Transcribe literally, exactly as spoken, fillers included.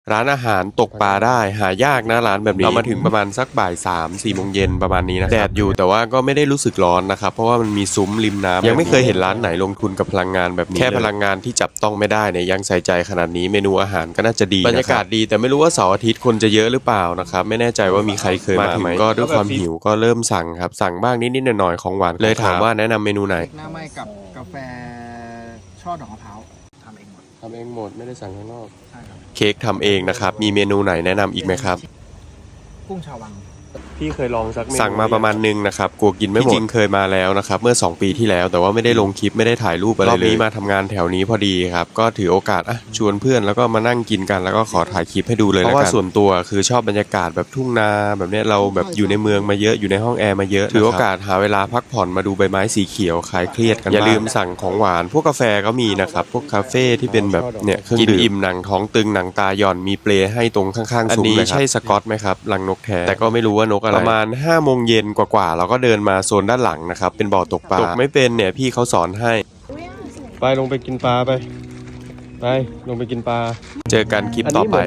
ร้านอาหารตกปลาได้หายากนะร้านแบบนี้เรามาถึงประมาณสักบ่ายสามสี่โมงเย็นประมาณนี้นะแดดอยู่แต่ว่าก็ไม่ได้รู้สึกร้อนนะครับเพราะว่ามันมีซุ้มริมน้ำยังไม่เคยเห็นร้านไหนลงทุนกับพลังงานแบบนี้แค่พลังงานที่จับต้องไม่ได้เนี่ยยังใส่ใจขนาดนี้เมนูอาหารก็น่าจะดีบรรยากาศดีแต่ไม่รู้ว่าเสาร์อาทิตย์คนจะเยอะหรือเปล่านะครับไม่แน่ใจว่ามีใครเคยมาถึงก็ด้วยความหิวก็เริ่มสั่งครับสั่งบ้างนิดๆหน่อยๆของหวานเลยถามว่าแนะนำเมนูไหนหน้าไหม้กับกาแฟช่อดอกมะพร้าวทำเองหมดทำเองหมดไม่ได้สั่งข้างนอกใช่ครับเค้กทำเองนะครับมีเมนูไหนแนะนำอีกไหมครับกุ้งชาววังพี่เคยลองสักสั่งมาประมาณนึงนะครับกลัวกินไม่หมดจริงเคยมาแล้วนะครับเมื่อสองปีที่แล้วแต่ว่าไม่ได้ลงคลิปไม่ได้ถ่ายรูปอะไรเลยรอบนี้มาทำงานแถวนี้พอดีครับก็ถือโอกาสอ่ะชวนเพื่อนแล้วก็มานั่งกินกันแล้วก็ขอถ่ายคลิปให้ดูเลยเพราะว่าส่วนตัวคือชอบบรรยากาศแบบทุ่งนาแบบเนี้ยเราแบบอยู่ในเมืองมาเยอะอยู่ในห้องแอร์มาเยอะถือโอกาสหาเวลาพักผ่อนมาดูใบไม้สีเขียวคลายเครียดกันอย่าลืมสั่งของหวานพวกกาแฟก็มีนะครับพวกคาเฟ่ที่เป็นแบบเนี่ยเครื่องดื่มกินอิ่มหนังท้องตึงหนังตาหย่อนมีเปลให้ตรงข้างๆซุ้มเลยครับอันนี้ใช่สกอตไหมครับรังนกแท้แต่ก็ไม่รู้ว่านกอะไรประมาณห้าโมงเย็นกว่าๆเราก็เดินมาโซนด้านหลังนะครับเป็นบ่อตกปลาตกไม่เป็นเนี่ยพี่เขาสอนให้ไปลงไปกินปลาไปไปลงไปกินปลาเจอกันคลิปต่อไป